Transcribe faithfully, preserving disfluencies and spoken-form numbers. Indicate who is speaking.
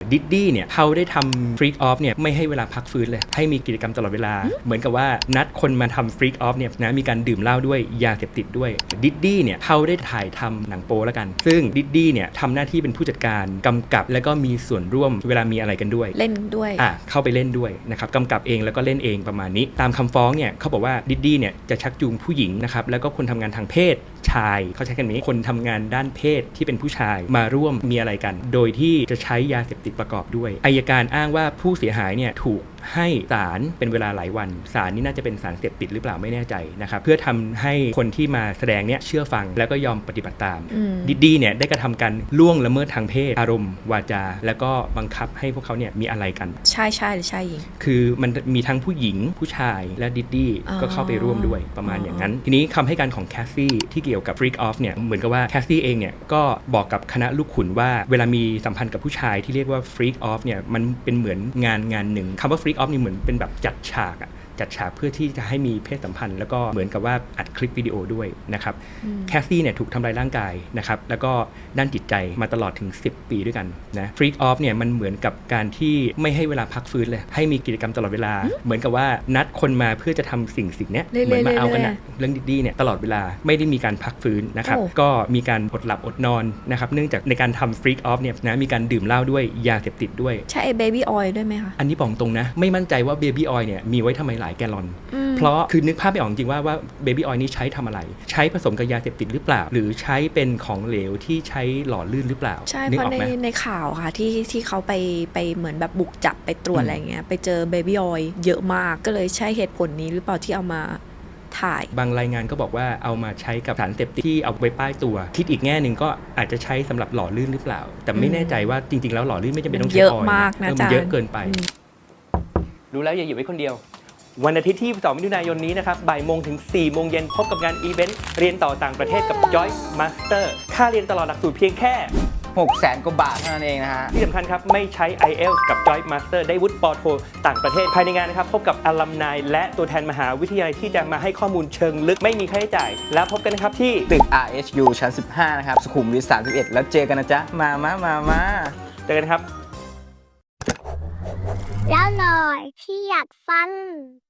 Speaker 1: ดิดดี้เนี่ยเขาได้ทำฟรีกออฟเนี่ยไม่ให้เวลาพักฟื้นเลยให้มีกิจกรรมตลอดเวลาเหมือนกับว่านัดคนมาทำฟรีกออฟเนี่ยนะมีการดื่มเหล้าด้วยยาเสพติดด้วยดิดดี้เนี่ยเขาได้ถ่ายทำหนังโป๊แล้วกันซึ่งดิดดี้เนี่ยทำหน้าที่เป็นผู้จัดการกำกับแล้วก็มีส่วนร่วมเวลามีอะไรกันด้วย
Speaker 2: เล่นด้วย
Speaker 1: อ่ะเข้าไปเล่นด้วยนะครับกำกับเองแล้วก็เล่นเองประมาณนี้ตามคำฟ้องเนี่ยเขาบอกว่าดิดดี้เนี่ยจะชักจูงผู้หญิงนะครับแล้วก็คนทำงานทางเพศชายเขาใช้คำนี้คนทำงานด้านเพศที่เป็นผู้ชายมาร่วมมีอะไรกันโดยที่จะใช้ยาเสพติดประกอบด้วยอัยการอ้างว่าผู้เสียหายเนี่ยถูกให้สารเป็นเวลาหลายวันสารนี้น่าจะเป็นสารเสพติดหรือเปล่าไม่แน่ใจนะครับเพื่อทำให้คนที่มาแสดงเนี่ยเชื่อฟังแล้วก็ยอมปฏิบัติตามดิดดี้เนี่ยได้กระทำการล่วงละเมิดทางเพศอารมณ์วาจาแล้วก็บังคับให้พวกเขาเนี่ยมีอะไรกัน
Speaker 2: ใช่ใช่หรือใช่หญิง
Speaker 1: คือมันมีทั้งผู้หญิงผู้ชายและดิดดี้ก็เข้าไปร่วมด้วยประมาณอย่างนั้นทีนี้คำให้การของแคสซี่ที่เกี่ยวกับฟรีกออฟเนี่ยเหมือนกับว่าแคสซี่เองเนี่ยก็บอกกับคณะลูกขุนว่าเวลามีสัมพันธ์กับผู้ชายที่เรียกว่าฟรีกออฟเนี่ยมันเป็นเหมือนงานงานหนึ่งคำว่าฟรีกออฟนี่เหมือนเป็นแบบจัดฉากอะจัดฉากเพื่อที่จะให้มีเพศสัมพันธ์แล้วก็เหมือนกับว่าอัดคลิปวิดีโอด้วยนะครับแคสซี่เนี่ยถูกทำลายร่างกายนะครับแล้วก็ด้านจิตใจมาตลอดถึงสิบปีด้วยกันนะฟรีกออฟเนี่ยมันเหมือนกับการที่ไม่ให้เวลาพักฟื้นเลยให้มีกิจกรรมตลอดเวลาเหมือนกับว่านัดคนมาเพื่อจะทำสิ่งสิ่งนี้เหมือนมาเอากันนะเรื่องดีๆเนี่ยตลอดเวลาไม่ได้มีการพักฟื้นนะครับก็มีการอดหลับอดนอนนะครับเนื่องจากในการทำฟรีกออฟเนี่ยนะมีการดื่มเหล้าด้วยยาเสพติดด้วย
Speaker 2: ใช่เบบี้ออยล์ด้วยไหมคะ
Speaker 1: อันนี้บอกตรงนะไม่มั่นใจว่าเบบี้ออยล์เนี่ยมีไว้ทำไมหลายแกลลอนเพราะคือนึกภาพไม่ออกจริงว่าว่าเบบี้ออยล์นี้ใช้ทำอะไรใช้ผสมกับยาเสพติดหรือเปล่าหรือใช้เป็นของเหลวที่ใช้หล่อลื่นหรือเปล่า
Speaker 2: ใช่เพราะในในข่าวค่ะที่ที่เขาไปไปเหมือนแบบบุกจับไปตรวจอะไรเงี้ยไปเจอเบบี้ออยล์เยอะมากก็เลยใช่เหตุผลนี้หรือเปล่าที่เอามาถ่าย
Speaker 1: บางรายงานก็บอกว่าเอามาใช้กับสารเสพติดที่เอาไว้ป้ายตัวคิดอีกแง่หนึ่งก็อาจจะใช้สำหรับหล่อลื่นหรือเปล่าแต่ไม่แน่ใจว่าจริงๆแล้วหล่อลื่นไม่จำเป็นต้องใช้
Speaker 2: เยอะมากนะจ๊ะ
Speaker 1: มันเยอะเกินไปรู้แล้วอย่าอยู่ไว้คนเดียววันอาทิตย์ที่สองมิถุนายนนี้นะครับบ่ายโมงถึงสี่โมงเย็นพบกับงานอีเวนต์เรียนต่อต่างประเทศกับ Joyce Master ค่าเรียนตลอดหลักสูตรเพียงแค่
Speaker 3: หกแสนกว่าบาทเท่านั้นเองนะฮะ
Speaker 1: ที่สำคัญครับไม่ใช้ ไอ เอล ที เอส กับ Joyce Master ได้วุฒิปอโทต่างประเทศภายในงานนะครับพบกับอลัมไนและตัวแทนมหาวิทยาลัยที่จะมาให้ข้อมูลเชิงลึกไม่มีค่าใช้จ่ายแล้วพบกันนะครับที่
Speaker 3: ตึก อาร์ เอช ยู ชั้นสิบห้านะครับสุขุมวิทสามสิบเอ็ดแล้วเจอกันนะจ๊ะมามามามา
Speaker 1: เจอกันครับ
Speaker 4: แล้วหน่อยที่อยากฟัง